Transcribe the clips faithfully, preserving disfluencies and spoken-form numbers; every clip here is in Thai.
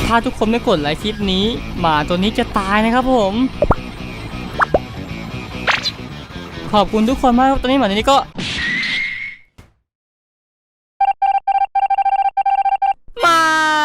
ถ้าทุกคนไม่กดไลค์คลิปนี้หมาตัวนี้จะตายนะครับผมขอบคุณทุกคนมากตอนนี้หมาตัวนี้ก็ไม่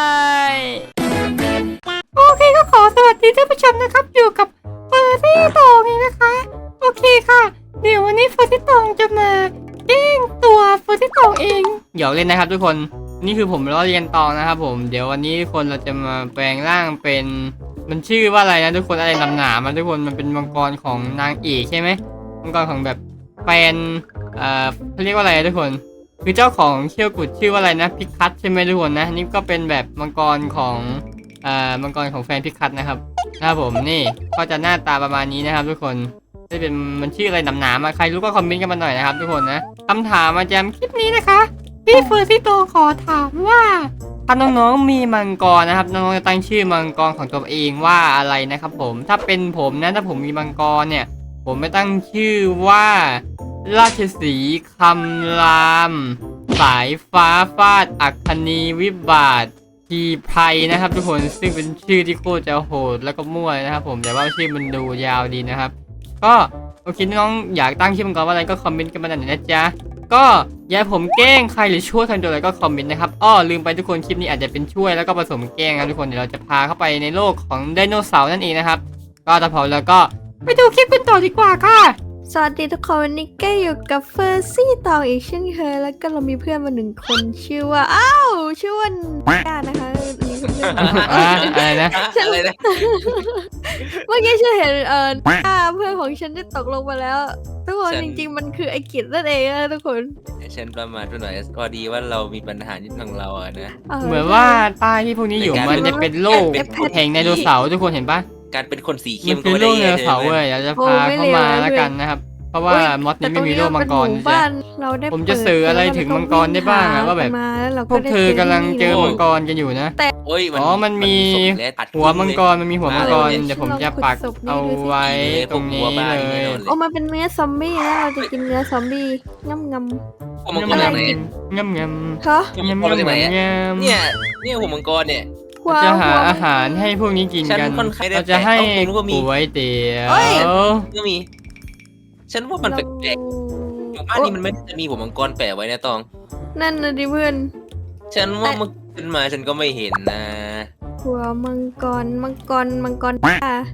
โอเคก็ขอสวัสดีท่านผู้ชมนะครับอยู่กับเฟอร์ซี่ตองเองนะคะโอเคค่ะเดี๋ยววันนี้เฟอร์ซี่ตองจะมาแกล้งตัวเฟอร์ซี่ตองเองหยอกเล่นนะครับทุกคนนี่คือผมล้อเลียนตองนะครับผมเดี๋ยววันนี้ทุกคนเราจะมาแปลงร่างเป็นมันชื่อว่าอะไรนะทุกคนอะไรลำหนามันทุกคนมันเป็นมังกรของนางเอกใช่ไหมมังกรของแบบแฟนเอ่อเขาเรียกว่าอะไรทุกคนคือเจ้าของเขี้ยวกุดชื่อว่าอะไรนะพิคัทใช่ไหมทุกคนนะนี่ก็เป็นแบบมังกรของเอ่อมังกรของแฟนพิคัทนะครับนะครับผมนี่ก็จะหน้าตาประมาณนี้นะครับทุกคนจะเป็นมันชื่ออะไรหนาๆมาใครรู้ก็คอมเมนต์กันมาหน่อยนะครับทุกคนนะคำถามมาจำคลิปนี้นะคะพี่เฟอร์ซี่โตขอถามว่าถ้าน้องๆมีมังกรนะครับน้องๆจะตั้งชื่อมังกรของตัวเองว่าอะไรนะครับผมถ้าเป็นผมนะถ้าผมมีมังกรเนี่ยผมไม่ตั้งชื่อว่าราชสีห์คำรามสายฟ้าฟาดอัคคณีวิบาททีไพรนะครับทุกคนซึ่งเป็นชื่อที่โคตรจะโหดแล้วก็มั่วนะครับผมแต่ว่าชื่อมันดูยาวดีนะครับก็โอเคน้องอยากตั้งชื่อมังกรว่าอะไรก็คอมเมนต์กันมาหน่อยนะจ๊ะก็อย่าผมแกล้งใครหรือช่วยใครตัวอะไรก็คอมเมนต์นะครับอ้อลืมไปทุกคนคลิปนี้อาจจะเป็นช่วยแล้วก็ผสมแกล้งนะทุกคนเดี๋ยวเราจะพาเข้าไปในโลกของไดโนเสาร์นั่นเองนะครับก็ถ้าพร้อมแล้วก็ไปดูคลิปกันต่อดีกว่าค่ะสวัสดีทุกคนวันนี้ก็อยู่กับเฟอร์ซี่ตองอีกเช่นเคยแล้วก็เรามีเพื่อนมาหนึ่งคนชื่อว่าอ้าวชื่อว่าก้านะคะอันนี้คือเพื่อนอะไรนะอะไรนะเมื่อกี้ฉันเห็นเออก้าเพื่อนของฉันได้ตกลงมาแล้วทุกคนจริงๆมันคือไอกิจนั่นเองนะทุกคนฉันประมาทไปหน่อยพอดีว่าเรามีปัญหานิดหน่อยเราอะนะเหมือนว่าใต้ที่พวกนี้อยู่มันจะเป็นโลกแห่งไดโนเสาร์ทุกคนเห็นปะการเป็นคนสีเข้มันมคือโลกไดโนเสาร์เว้ยเราจะพาเข้ามาแล้วกันนะครับเพราะว่ามอสนี้ไม่มีโลกมังกรนะจ๊ะผมจะสื่ออะไรถึงมังกรได้บ้างอะว่าแบบพวกเธอกำลังเจอมังกรกันอยู่นะอ๋อมันมีหัวมังกรมันมีหัวมังกรเดี๋ยวผมจะปักเอาไว้ตรงนี้เลยโอ้มันเป็นเนื้อซอมบี้นะเราจะกินเนื้อซอมบี้ง่ำงำหัวมังกรอะไรงำงำฮะงำงำงำงำเนี่ยเนี่ยหัวมังกรเนี่ยจะหาอาหารให้พวกนี้กินกันเราจะให้ก๋วยเตี๋ยวก็มีฉันว่ามันแปลกๆหมู่บ้านนี้มันไม่จะมีหัวมังกรแปะไว้นะตองนั่นนะดิเพื่อนฉันว่ามันขึ้นมาฉันก็ไม่เห็นนะหัวมังกรมังกรมังกรป่า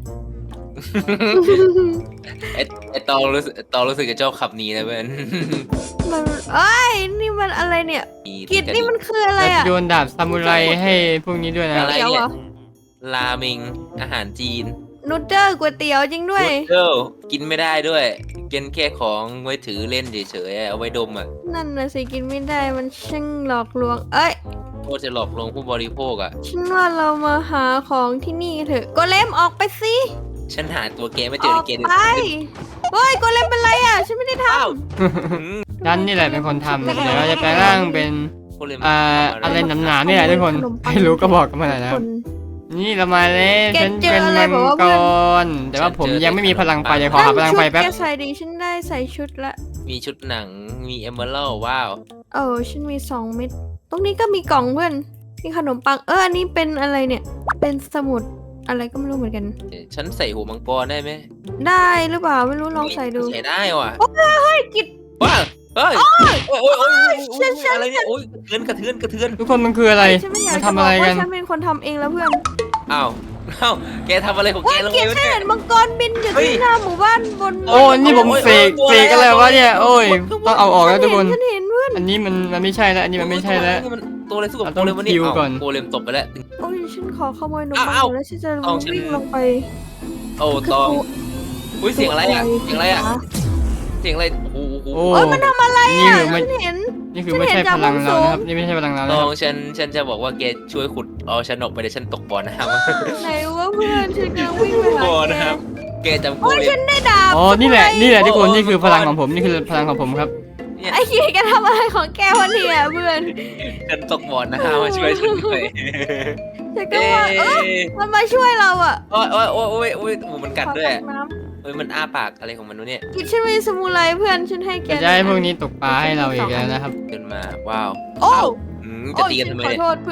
ไอไอตองรู้สึกตองรู้สึกจะชอบขับนี้นะเพื่อนมันเอ้ยนี่มันอะไรเนี่ยกิจนี่มันคืออะไรอ่ะโยนดาบซามูไรให้พวกนี้ด้วยนะอะไรเนี่ยราเมงอาหารจีนนูเดิลก๋วยเตี๋ยวจริงด้วยนูเดิลกินไม่ได้ด้วยกินแค่ของไว้ถือเล่นเฉยๆเอาไว้ดมอ่ะนั่นน่ะสิกินไม่ได้มันช่างหลอกลวงเอ้ยโคตรจะหลอกลวงผู้บริโภคอ่ะฉันว่าเรามาหาของที่นี่เถอะโกเลมออกไปสิฉันหาตัวแกไม่เจอในเกมไปเฮ้ยโกเลมเป็นไรอ่ะฉันไม่ได้ทำฉันนี่แหละเป็นคนทำเดี๋ยวเราจะแปลงร่างเป็นอ่าอะไรหนาๆนี่แหละทุกคนใครรู้ก็บอกกันมาหน่อยนะนี่เรามาเลยฉันเป็นมังกรแต่ว่าผมยังไม่มีพลังไฟจะขอหาพลังไฟแป๊บแกใส่ดีฉันได้ใส่ชุดละมีชุดหนังมีเอเมอรัลว้าวเออฉันมีสองเม็ดตรงนี้ก็มีกล่องเพื่อนมีขนมปังเอออันนี้เป็นอะไรเนี่ยเป็นสมุดอะไรก็ไม่รู้เหมือนกันฉันใส่หัวมังกรได้ไหมได้หรือเปล่าไม่รู้ลองใส่ดูใส่ได้ว่ะโอ้ยเฮ้ยกิดว้าวเฮ้ยโอ้ยโอ้ยโอ้ยอะไรเนี่ยโอ้ยกระเทือนกระเทือนกระเทือนทุกคนมันคืออะไรมันทำอะไรกันฉันเป็นคนทำเองแล้วเพื่อนอ้าวอ้าวแกทำอะไรของแกแล้วเนี่ยฉันเห็นมังกรบินอยู่ที่หน้าหมู่บ้านบนโอ้นี่ผมเสกเสกอะไรวะเนี่ยโอ้ยต้องเอาออกแล้วทุกคนฉันเห็นเพื่อนอันนี้มันมันไม่ใช่แล้วอันนี้มันไม่ใช่แล้วตัวอะไรสู้กับโกเลมวันนี้โกเลมตบไปแล้วโอ้ยฉันขอขโมยนมปังแล้วฉันจะวิ่งลงไปโอ้ตองอุ้ยเสียงอะไรอ่ะเสียงอะไรอ่ะเสียงอะไรโอ้โหโอ้ยมันทำอะไรอ่ะฉันเห็นนี่คือไม่ใช่พลังเราครับนี่ไม่ใช่พลังเราตองฉันฉันจะบอกว่าแกช่วยขุดเอาฉันออกไปเดี๋ยวฉันตกบ่อน้ำไหนวะเพื่อนฉันกำลังวิ่งไปหาบ่อน้ำแกจำโกเลมฉันได้ดาบอ๋อนี่แหละนี่แหละทุกคนนี่คือพลังของผมนี่คือพลังของผมครับไอ้เหี้ยแกทำอะไรของแกวันนี้เพื่อนฉันตกบ่อน้ำมาช่วยฉันด้วยฉันก็ว่าเออมันมาช่วยเราอ่ะโอ้ยโอ้ยโอ้ยโอ้ยโอ้ยมันกัดด้วยเฮ้ยมันอ้าปากอะไรของมันวะเนี่ยกินฉันมีสมุไรเพื่อนฉันให้แกจะให้พวกนี้ตกปลาให้เราอีกแล้วนะครับเดินมาว้าวโอ้จะตีกันทำไมเนี่ยขอโทษเพื่อน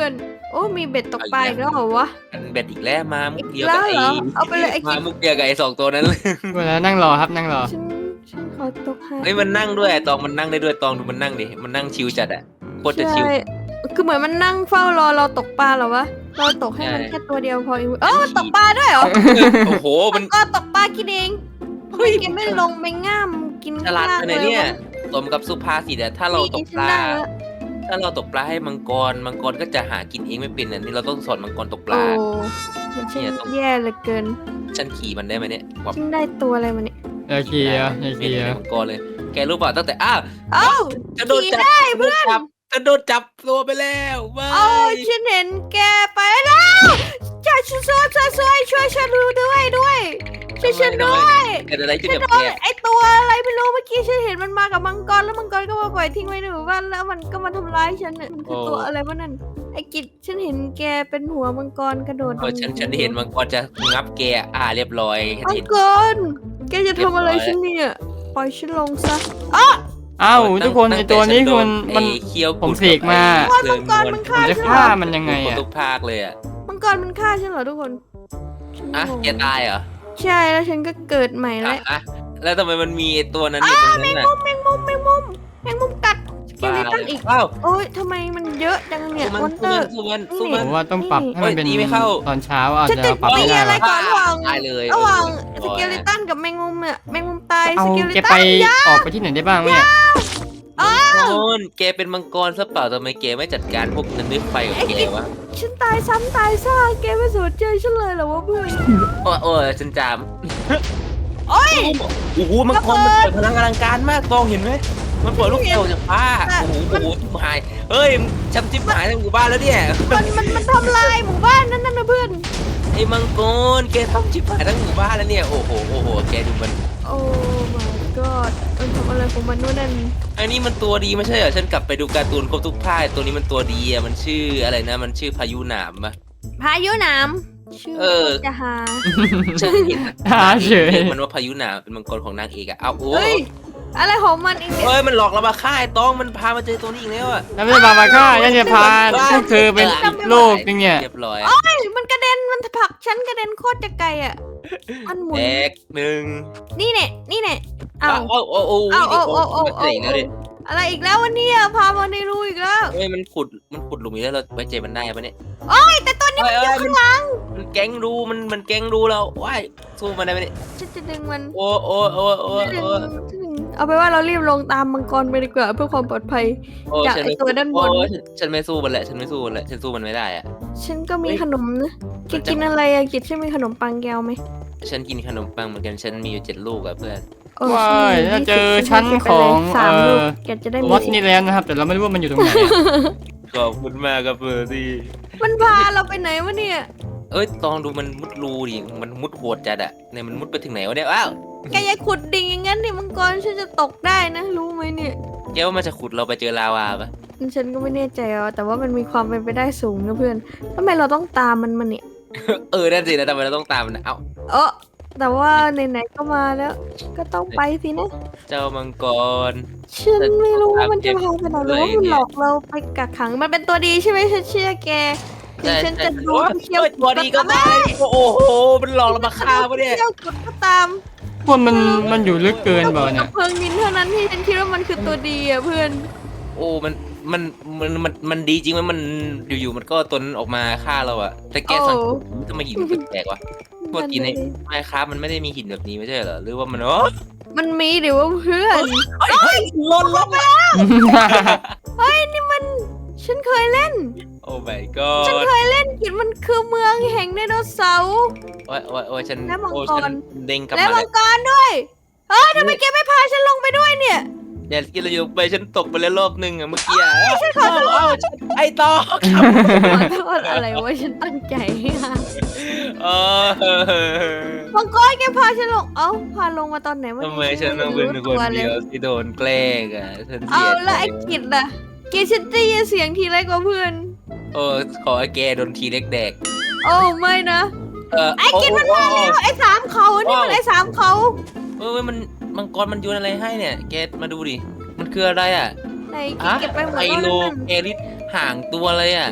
โอ้มีเบ็ดตกปลาอีกแล้วเหรอวะมันเบ็ดอีกแล้วมามุกเดียวแล้กับวไอ้เหรอเอาไปเลยไอ้มากิ๊บมุกเดียวกับไอ้สองตัวนั้นเลยเวลานั่งรอครับนั่งรอฉันฉันขอตกให้เฮ้ยมันนั่งด้วยตองมันนั่งได้ด้วยตองดูมันนั่งดิมันนั่งชิวจัดอะโคตรจะชิวใช่คือเหมือนมันนั่งเฝ้ารอเราตกปลาเหรอวะเราตกให้มันใช่แค่ตัวเดียวพอเองเออมันตกปลาด้วยเหรอโอ้โหมันก็ตกปลากินเองทำเฮ้ไมยแกไม่ลงไปง่ามกินฉลาดข้างขนาดเลเนี้ยวะสมกับสุภาษิตอะถ้าเราตกปลานี่ฉันได้แล้วถ้าเราตกปลาให้มังกรมังกรก็จะหากินเองไม่เป็นอันนี้เราต้องสอนมังกรตกปโอ้ลามันช่าเนี่ยงต้องแย่เหลือเกินฉันขี่มันได้ไหมเนี่ยแบบฉันได้ตัวอะไรมาเนี่ยเออเคลียร์เออเคไม่ลียได้ร์มังกรเลย แกรู้เปล่าตั้งแต่อ้าวเอ้าจะโดนขี่จับได้จะโดนจับจะโดนจับตัวไปแล้วไม่เอ้าฉันเห็นแกไปแล้วช่วยช่วยช่วยช่วยช่วยฉันดูด้วยด้วยช่วยฉันด้วยเกิดอะไรขึ้นฉันกับโดแกนไอตัวอะไรไม่รู้เมื่อกี้ฉันเห็นมันมากับมังกรแล้วมังกรก็มาปล่อยทิ้งไว้ในหมู่บ้านแล้วมันก็มาทำร้ายฉันน่ะมันคือตัวอะไรวะนั่นไอกิจฉันเห็นแกเป็นหัวมังกรกระโดดเออฉันฉันเห็นมังกรจะงับแกอ่าเรียบร้อยฉันมังเห็นกรแกจะทำอะไรฉันเนี่ยปล่อยฉันลงซะเอ้าทุกคนไอตัวนี้คือมันมันไอ้เคี้ยวผมเสกมาโอ้ยมังกรมันผมฆ่าจะฉันเหรฆ่าอมันยังไงไงอ่ะทุกภาคเลยอ่ะมังกรมันฆ่าฉันเหรอทุกคนฉันอ่ะงงแกตายเหรอใช่แล้วฉันก็เกิดใหม่อ่ะแล้วอ่ะแล้วทำไมมันมีไอ้ตัวนั้นอยู่ตรงนั้นน่ะแมงมุมแมงมุมแมงมุมกัดสเกลิตันอีกอ้าวโอ้ยทำไมมันเยอะจังเนี่ยสู้มมัอน นเตสู้อมัร์นสู้มันสู้ผมันมว่าต้องปรับให้มันเป็นโอ้ยตีไม่เข้าตอนเช้าอาจฉันจะจะปรับตีไม่ได้อะไรหรอกก่อนระหว่างตายเลยระหว่างสโอ้ยเกลิตันกับแมงมุมเนี่ยแมงมุมตายเอาสเกลิแกตัไปนยาออกไปที่ไหนได้บ้างวะเนี่ยโอ้ยแกเป็นมังกรซะเปล่าทำไมแกไม่จัดการพวกนั้นด้วยไฟของแกวะฉันตายซ้ำตายซ่าแกไม่สนใจฉันเลยเหรอวะเพื่อนโอ้ยโอ้ยฉันจามโอ้ยโอ้โหมังกรมันปล่อยพลังอลังการมากตองเห็นไหมมันปล่อยลูกเต๋อจากฟ้าโอ้โหโอ้โหชิบหายเฮ้ยช้ำชิบหายทั้งหมู่บ้านแล้วเนี่ยมันมันมันทำลายหมู่บ้านนั่นน่ะเพื่อนไอ้มังกรแกทำชิบหายทั้งหมู่บ้านแล้วเนี่ยโอ้โหโอ้โหแกดูมันโอ้ my god มันทำอะไรของมันนู่นนั่นไอ้นี่มันตัวดีไม่ใช่เหรอฉันกลับไปดูการ์ตูนครบทุกภาคตัวนี้มันตัวดีอ่ะมันชื่ออะไรนะมันชื่อพายุหนามปะพายุน้ำชื่อเออจะหาฉันเห็นหาเฉยเรียกมันว่าพายุหนามเป็นมังกรของนางเอกอะเอาโอ้เฮ้ยอะไรของมันอีกเนี่ยเอ้ยมันหลอกเรามาฆ่าไอ้ตองมันพามาเจอตัวนี้อีกแล้วอะแล้วไม่ได้พามาฆ่ายังจะพาพวกเธอเป็นโลกนึงเนี่ยเรียบร้อยเฮ้ยมันกระเด็นมันผลักฉันกระเด็นโคตรจะไกลอ่ะมันหมุนแตกหนึ่งนี่เนี่ยนี่เนี่ยเอาเอาเอาเอาเอาเอาเอาเอามันเจ๋งแล้วดิอะไรอีกแล้ววันนี้พามาในรูอีกแล้วเฮ้ยมันขุดมันขุดหลุมอีกแล้วเราไว้ใจมันได้ปะเนี่ยโอ้ยแต่ตัวนี้มันอยู่ข้างหลังมันแก๊งรูมันมันแก๊งรูเราว้ายสู้มันได้ไหมเนี่ยฉันจะดึงมันโอ้โอ้โอ้โอ้จะดึงโอ้จะดึงเอาไปนว่าเรารีบลงตามมังกรไปดีกว่าเพื่อความปลอดภัยโอ้จากฉันไอ้ไม่ตัวด้านบนโอ้ฉันฉันไม่สู้มันแหละฉันไม่สู้มันแหละฉันสู้มันไม่ได้อะฉันก็มีเฮ้ยขนมนะแกมันจะกินอะไรอะกิจใช่ไหมขนมปังแก้วไหมฉันกินขนมปังเหมือนกันฉันมีอยู่เจ็ดลูกอะเพื่อนโอ้ว้ายฉันมีถ้าเจอยี่สิบชั้นของสามลูกเอ่อแกจะได้มีวัดนี่แล้วนะครับ แต่เราไม่รู้ว่ามันอยู่ตรงไหนอะขอบคุณมากครับเพื่อนที่มันพาเราไปไหนวะเนี่ยเอ้ยตองดูมันมุดรูดิมันมุดโหดจัดอะเนี่ยมันมุดไปถึงไหนวะเนี่ยอ้าวแกอย่าขุดดิ่งอย่างนั้นดิมังกรฉันจะตกได้นะ รู้ไหมเนี่ยแกว่ามันจะขุดเราไปเจอลาวาปะฉันก็ไม่แน่ใจอ่ะแต่ว่ามันมีความเป็นไปได้สูงนะเพื่อนทำไมเราต้องตามมันมาเนี่ยเออนั่นสินะทำไมเราต้องตามมันนะเอ้าเออแต่ว่าไหนๆก็มาแล้ว ก็ต้องไปสินะเจ้ามังกรฉันไม่รู้ว่ามันจะพาไปไหนหรือว่ามันหลอกเราไปกักขังมันเป็นตัวดีใช่ไหมฉันเชื่อแกถึงฉันจะดูโอ้ยเชี่ยวโอ้ยตัวดีก็มาโอ้โหมันหลอกเรามาฆ่าปะเนี่ยเชี่ยวกดก็ตามพวกมันมันอยู่ลึกเกินเปล่าเนี่ยเพลิงนินเท่านั้นที่ฉันคิดว่ามันคือตัวดีอ่ะเพื่อนโอ้มันมันมันมันมันดีจริงไหมมันอยู่ๆมันก็ตนออกมาฆ่าเราอะแต่แกสังเกตทำไมหินมันแปลกๆวะปกติในไมค์ครับมันไม่ได้มีหินแบบนี้ไม่ใช่เหรอหรือว่ามันอ๋อมันมีหรือว่าเพื่อนเฮ้ยหล่นลงมาเฮ้ยนี่มันฉันเคยเล่นโอ้ my ฉัน god เคยเล่นกิจมันคือเมืองแห่งไดโนเสาร์โอ้ยโอ้ยโอ้ยฉันและมังกรโอ้ยฉันเด้งกลับและมามัแล้งวกรด้วยเฮ้ยทำไมแกไม่พาฉันลงไปด้วยเนี่ยอย่ากินเราอยู่ไปฉันตกไปแล้วรอบนึงอะเมื่อกี้อะเอ้าเอ้าฉันไอ้ตอขอโทษอะไรวะฉันตั้งใจเออมังกรแกพาฉันลงเอ้าพาลงมาตอนไหนวะทำไมฉันต้องเป็นคนเดียวที่โดนแกล้งอะฉันเสีเอายแล้วไอ้กิจล่ะกิจฉันได้ยินเสียงทีไรกว่าเพื่อนโอ้ขอไอ้แกโดนทีเล็กแดกโอ้ไม่นะเออไอ้กิจมันมาแล้วไอ้สามเขานี่มันไอ้สามเขาเออมันมังกรมันโยนอะไรให้เนี่ยแกมาดูดิมันคืออะไรอ่ะไหนกิจเก็บไปหมดไอแล้วโลนั่นเอริสห่างตัวเลยอ่ะ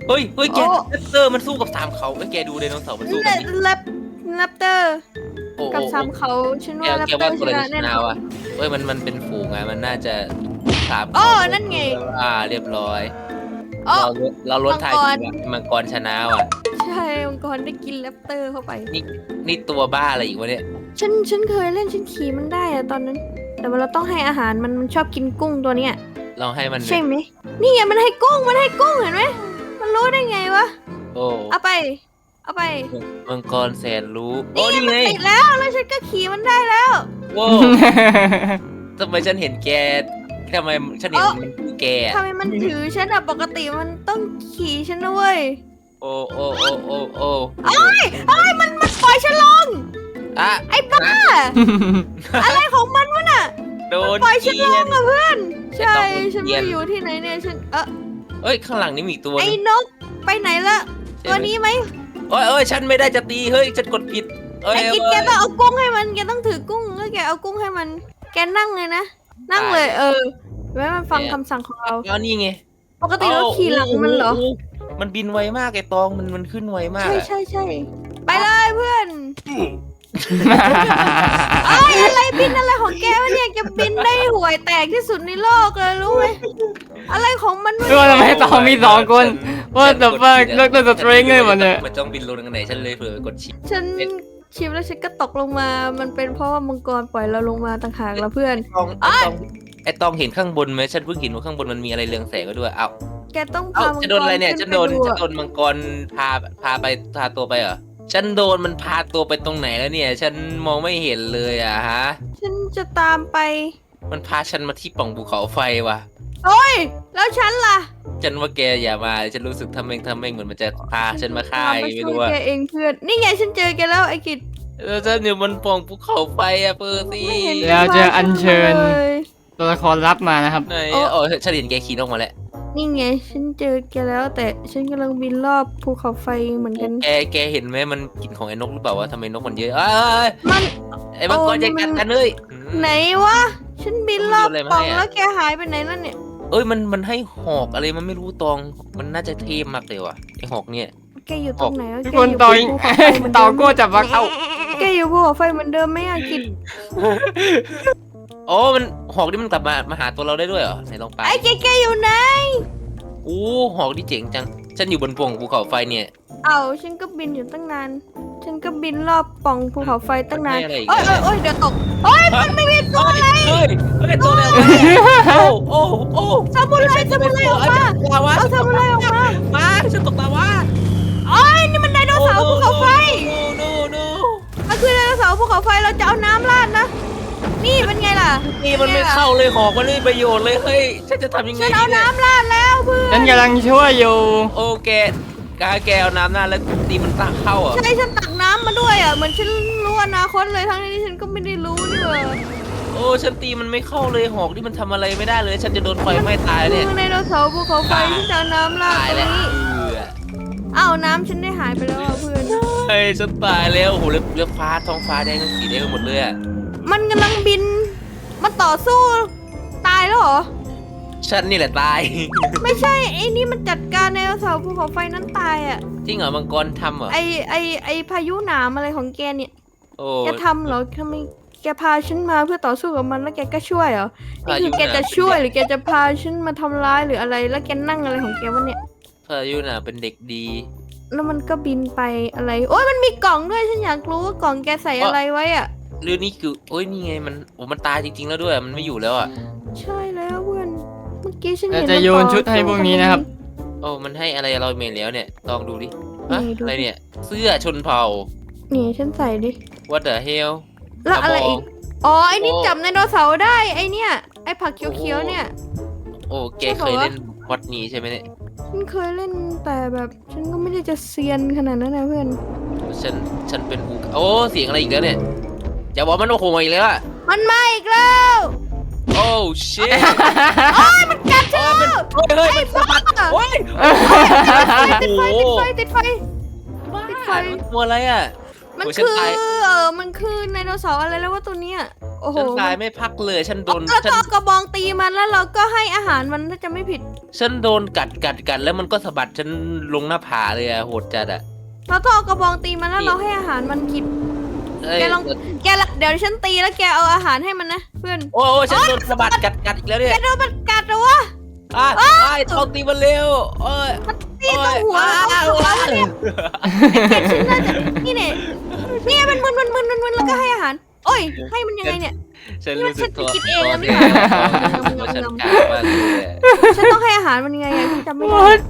เฮ้ยเฮ้ยแกโอ้แรปเตอร์มันสู้กับสามเขาไอ้ยแกดูไดโนเสาร์มันสู้แรกันดิปแรปแรปเตอร์โอ้โหกับซ้ำเขาฉันแกว่าแรปแกเตอว่าร์ตัวชอะไรนะชแน่นะนอนวะเฮ้ยมันมันเป็นฝูงไงมันน่าจะสามโอ้เขานั่นไงอ่าเรียบร้อยโอ้เราเราลดทายมังกรทีว่ามังกรชนะว่ะใช่องค์กรได้กินแรปเตอร์เข้าไปนี่นี่ตัวบ้าอะไรอีกวะเนี่ยฉันฉันเคยเล่นฉันขี่มันได้อะตอนนั้น แต่ว่าเราต้องให้อาหารมันมันชอบกินกุ้งตัวเนี้ยเราให้มันใช่ไหมนี่ไงมันให้กุ้งมันให้กุ้งเห็นไหมมันรู้ได้ไงวะโอ้เอาไปเอาไปมังกรแสนรู้โอ้นี่ไงนี่ไงมันติดแล้วแล้วฉันก็ขี่มันได้แล้วโว้ทำไมฉันเห็นแกทำไมฉันเห็นมันคือแกอะทำไมมันถือฉันอะปกติมันต้องขี่ฉันนะเว้ยโอ้โอ้โอ้โอ้โอ้เอ้ยเอ้ยมันมันปล่อยฉันลงอะไอ้บ้าอะไรของมันวะน่ะโดนปล่อยฉันเกีลยงนอะเพื่อน ใช่ไอ้ต้องฉันเกรีไม่ยนอยู่ที่ไหนเนี่ยฉันเออเอ้ยข้างหลังนี่มีอีกตัวไอ้นึงนกไปไหนละตัวนี้ไหมโอ้ยโอ้ยฉันไม่ได้จะตีเฮ้ยฉันกดผิดเอ้ยไอ้กินแกต้องเอากุ้งให้มันแกต้องถือกุ้งแล้วแกเอากุ้งให้มัน แกนั่งเลยนะนั่งเลยเออไว้มันฟังคำสั่งของเราเอานี่ไงปกติเราขี่หลังมันเหรอโโมันบินไวมากไอ้ตองมันมันขึ้นไวมากใช่อะใช่ใช่ไปเลยเพื่อนไอ้ยอะไรบินอะไรของแกวะเนี่ยแกบินได้ห่วยแตกที่สุดในโลกเลยรู้ไหมอะไรของมันวะดูทำไมตองมีสองคน ว่าแต่ว่าเลิกตัวสตริงเลยมันเนี่ยมันต้องบินลงทางไหนฉันเลยเผื่อกดชิปฉันชิมแล้วฉันก็ตกลงมา มันเป็นเพราะว่ามังกรปล่อยเราลงมาต่างหากแล้วเพื่อนตองไอ้ตองไอ้ตองเห็นข้างบนไหมฉันเพิ่งเห็นว่าข้างบนมันมีอะไรเรืองแสงก็ด้วยเอ้าแกต้องเอ้าพามังกรจะโดนอะไรเนี่ยขึ้ฉันโดนไปฉันอะโดนมังกรพาพาไปพาตัวไปเหรอฉันโดนมันพาตัวไปตรงไหนแล้วเนี่ย ฉันมองไม่เห็นเลยอะฮะฉันจะตามไปมันพาฉันมาที่ปล่องภูเขาไฟว่ะโอ้ย แล้วฉันล่ะฉันว่าแกอย่ามา ฉันรู้สึกทำเองทำเองเหมือนมันจะพาฉันมาฆ่าตามไงไปไม่ช่วรู้ยว่าแกเองเพื่อน นี่ไงฉันเจอแกแล้วไอ้กิจแล้วฉันอยู่บนปล่องภูเขาไฟอะเปอร์ซี่ไม่เห็นแล้วจะอัญเชิญเลยตัวละครลับมานะครับไหนโอ้อ๋อฉันเห็นแกขี่นกมาแล้วนี่ไง ฉันเจอแกแล้ว แต่ฉันกำลังบินรอบภูเขาไฟเหมือนกันแกแกเห็นไหมมันกินของไอ้นกหรือเปล่าวะทำไมนกมันเยอะเอ้ยมันไอ้มังกรโอ้จะนี่มักัน ดกันเลยอืมไหนวะ ฉันบินรอบมันโยนอะไรมาปล่องให้อะแล้วแกหายไปไหนแล้วเนี่ยเอ้ยมันมันให้หอกอะไรมันไม่รู้ตอง มันน่าจะเท่มากเลยว่ะไอ้หอกเนี่ยแกอยู่ตรงไหนวะทุกแกคนอยู่ต่อบนภูเขาไฟเหมือนต่อเดิมโก้จับวักเอ้าแกอยู่ภูเขาไฟเหมือนเดิมไหมอะกิจโอ้มันหอกนี่มันกลับมามาหาตัวเราได้ด้วยเหรอไหนลองไปไอ้แกแกอยู่ไหนอู้หอกนี่เจ๋งจัง ฉันอยู่บนปล่องภูเขาไฟเนี่ยเอาฉันก็บินอยู่ตั้งนาน ฉันก็บินรอบปล่องภูเขาไฟตั้งนานให้อะไรอีกโอ้ยอะโอ้ยโอ้ยเดี๋ยวตกโอ้ยมันไม่มีตัวอะไรเฮ้ยเฮ้ยตัวอะไรออกมาโอ้โอ้โอ้สมุนไพรสมุนไพรออกมาลาวาเอาสมุนไพรออกมามาฉันตกลาวาโอ้ยนี่มันไดโนเสาร์ภูเขาไฟโนโนมันคือไดโนเสาร์ภูเขาไฟเราจะเอาน้ำราดนะ นี่เป็นไงล่ะนี่มันไม่เข้าเลยหอกมันไม่มีประโยชน์เลยเฮ้ยฉันจะทำยังไงฉันดีเอาเนี่ยน้ำราดแล้วเพื่อฉันนกำลังช่วยอยู่โอเคกาแกเอาน้ำหน้าแล้วตีมันตาเข้าอ่ะใช่ฉันตักน้ำมาด้วยอ่ะเหมือนฉันรู้อนาคตเลยทั้งที่ฉันก็ไม่ได้รู้นี่หว่าโอ้ฉันตีมันไม่เข้าเลยหอกนี่มันทำอะไรไม่ได้เลย ฉันจะโดนไฟไหม้ตายเนี่ยคือไดโนเสาร์ภูเขาไฟที่จะเอาน้ำราดตายตรแล้วงนี้เอออ้าวน้ำฉันได้หายไปแล้วอ่ะเพื่อนเฮ้ยฉันตายแล้วโอ้โหเลือดเลือดฟ้าท้องฟ้าแดงทั้งสีแดงไปหมดเลยอ่ะมันกำลังบินมาต่อสู้ตายแล้วเหรอฉันนี่แหละตายไม่ใช่ไอ้นี่มันจัดการไดโนเสาร์ภูเขาไฟนั้นตายอ่ะจริงเหรอมังกรทำเหรอไอไอไอพายุหนามอะไรของแกเนี่ยโอ้แกทำเหรอทำไมแกพาฉันมาเพื่อต่อสู้กับมันแล้วแกก็ช่วยเหรอนี่คือแกจะช่วยหรือแกจะพาฉันมาทำร้ายหรืออะไรแล้วแกนั่งอะไรของแกวะเนี่ยพายุน่ะเป็นเด็กดีแล้วมันก็บินไปอะไรโอ้ยมันมีกล่องด้วยฉันอยากรู้ว่ากล่องแกใส่อะไรไว้อ่ะเรื่องนี้คือโอ้ยนี่ไงมันโอ้มันตายจริง ๆ แล้วด้วยมันไม่อยู่แล้วอ่ะใช่แล้วเพื่อนเมื่อกี้ฉันเราเห็นจะมันโยนต่อชุดให้พวกนี้นะครับโอ้มันให้อะไรเราเมนแล้วเนี่ยลองดูดิฮะนี่ดูอะไรเนี่ยเสื้อชนเผ่านี่ฉันใส่ดิ What the hell แล้วอะไรอีกอ๋อไอ้นี่โอ้จับไดโนเสาร์ได้ไอ้เนี่ยไอ้ผักเขียวๆเนี่ยโอ้แกใช่เคปะวะยเล่นวัดนี้ใช่ไหมเนี่ยฉันเคยเล่นแต่แบบฉันก็ไม่ได้จะเซียนขนาดนั้นนะเพื่อนฉันฉันเป็นอูโอ้เสียงอะไรอีกแล้วเนี่ยอย่าบอกมันโอ้โหมาอีกแล้วอะมันมาอีกแล้วโอ้ชิตโอ้ยมันกัดฉันเฮ้แล้ยว มันเฮ้ยเฮ้ยมันสะบัดโอ้ยติดไฟติดไฟติดไฟบ้าติดไฟมันตัวอะไรอะมันโอ้ยฉันคือตายเออมันคือไดโนเสาร์อะไรแล้วว่าตัวเนี้ยโอ้โหฉันตายไม่พักเลยฉันโดนแล้วฉัก็นเอากระบองตีมันแล้วเราก็ให้อาหารมันถ้าจะไม่ผิดฉันโดนกัดกัดกัดแล้วมันก็สะบัดฉันลงหน้าผาเลยอะโหดจัดอะเราต้องเอากระบองตีมันแล้วเราให้อาหารมันกินเอ้ยแกลอง แกละเดี๋ยวฉันตีแล้วแกเอาอาหารให้มันนะเพื่อนโอ้โอ้ฉันโดนสะบัดกัดกัดอีกแล้วเนี่แกยโดนมันกัดเหรอวะอ่ะไอ้ทองตีมันเร็วโอ้ยมันตีตรงหัวโอ้ยตรงหัวอ้าวแล้วเนี่ยไอ้เกดฉันน่าจะนี่เนี่ยเนี่ยมันมึนมึนมึนมึนมึนแล้วก็ให้อาหารโอ้ยให้มันยังไงเนี่ยฉันรู้สึกตัวฉันกินเองแล้วไม่ตัวได้แดงตัวฉันกากมากเลยอะฉันต้องให้อาหารมันยังไงอะฉันจำไม่ได้ What?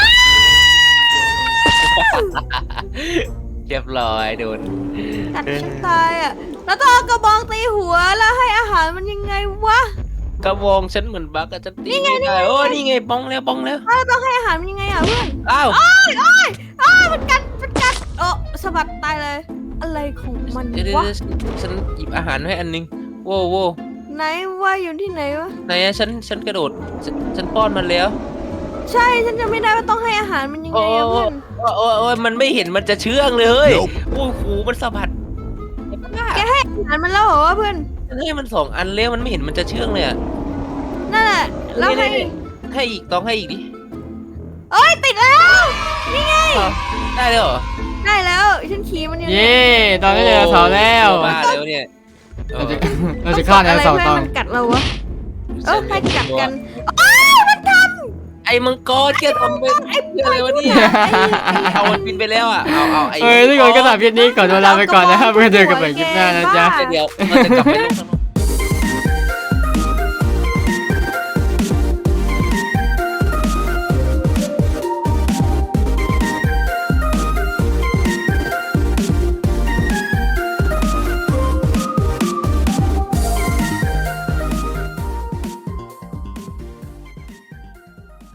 เรียบร้อยโดนกัดฉันตายอ่ะแล้วต้องเอากระบองตีหัวแล้วให้อาหารมันยังไงวะกระบองฉันเหมือนบักอะฉันตีไม่ได้โอ้นี่ไงป้องแล้วป้องแล้วแล้วต้องให้อาหารมันยังไงอ่ะเพื่อนอ้าวโอ้ยโอ้ยโอ้ยมันกัดมันกัดโอ้สะบัดตายเลย อะไรของมันเดี๋ยวเดี๋ยววะเดี๋ยวฉันหยิบอาหารให้อันนึงโว้วโว้วไหนว่าอยู่ที่ไหนวะไหนอะฉันฉันกระโดดฉันฉันป้อนมันแล้วใช่ฉันจะไม่ได้ว่าต้องให้อาหารมันยังไงโอ้อะเพื่อนโอ้โอ้โอ้ยมันไม่เห็นมันจะเชื่องเลยเฮ้ยโอ้โหมันสะบัดแกให้อาหารมันแล้วเหรอวะเพื่อนฉันให้มันสองอันแล้วมันไม่เห็นมันจะเชื่องเลยอะนั่นแหละแล้วให้นี่ๆให้อีกต้องให้อีกดิเอ้ยติดแล้วนี่ไงอ้าวได้เลยเหรอได้แล้วฉันขี่มันอยู่เย่ตอนนี้เจอเสาแล้วบ้าแล้วเนี่ยเราจะเราจะฆ่าในเสาอะไรตองมันกัดเราวะเออให้กัดกันไอ้มังกรแกทำเป็นไอ้เพื่ออะไรวะเนี่ยเอามันบินไปแล้วอ่ะเอาเอาไอ้เอ้ยทุกคนก็สำหรับคลิปนี้ก่อนเวลาไปก่อนนะครับเพื่อเจอกันใหม่คลิปหน้านะจ๊ะเดี๋ยวเราจะกลับไปลงข้างนอก